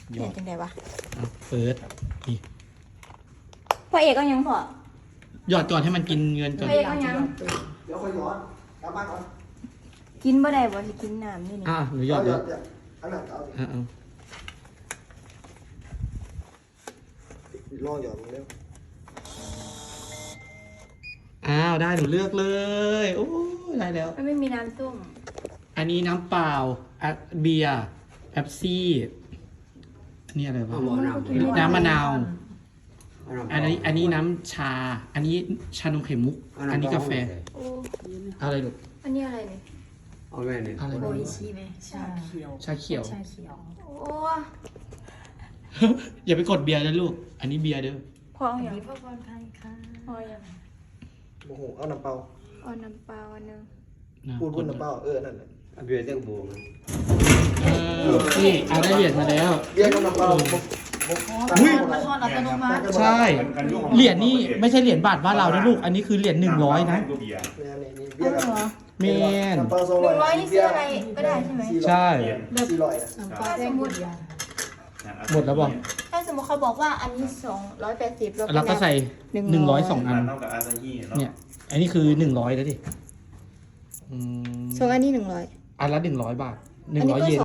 ยเห็อน ดจังไดวะเปิดนี่พ่อเอกก็ยังพอหยอดก่อนให้มันกินเงินก่อนพ่อเอกก็ยังเดี๋ยวค่อยย้อนกลับบ้านก่อนกินบ่ได้บ่สิกินน้ำนี่นี่หนูหยอดเยอะอันนั้นเอาเอาลองหยอดมึงเร็วอ้าวได้หนูเลือกเลยโอ้ยได้แล้วมันไม่มีน้ำส้มอันนี้น้ำเปล่าเบียร์แป๊บซี่อันนี้อะไรวะน้ำมะนาว อันนี้น้ำชา อันนี้ชานมไข่มุก อันนี้กาแฟโอ้อะไรลูกอันนี้อะไรเนี่ยเอาแม่เนี่ยอะไรโอลูกอิชิไหมชาเขียวชาเขียวชาเขียวโอ้อย่าไปกดเบียร์นะลูก อันนี้เบียร์เด้อพ่อเอาอย่างมีพ่อพรไทยค่ะพ่ออย่างโอ้โหเอาน้ำเปล่าเอาน้ำเปล่าอันหนึงพูดน้ำเปล่านั่นน่ะเบียร์เจ้าบูมนี่ได้เหรียญมาแล้วเบียร์กับน้ำเปล่ามาทอดอัตโนมัติใช่ เหรียญนี่ไม่ใช่เหรียญบาทบ้านเรานะลูก อันนี้คือเหรียญ100นะนี่เบียร์กับเมนน้ำเปล่า 100นี่ซื้ออะไรก็ได้ใช่ไหมใช่ 400 น้ำปลาแดงหมดยาหมดแล้วบอกถ้าสมมติเขาบอกว่าอันนี้280 แล้วก็ใส่ 100 2 อันเท่ากับอาซาฮิเนาะเนี่ย อันนี้คือ100แล้วดิส่วนอันนี้100 อันละ100 บาทอันนี้ก็ 100 เยน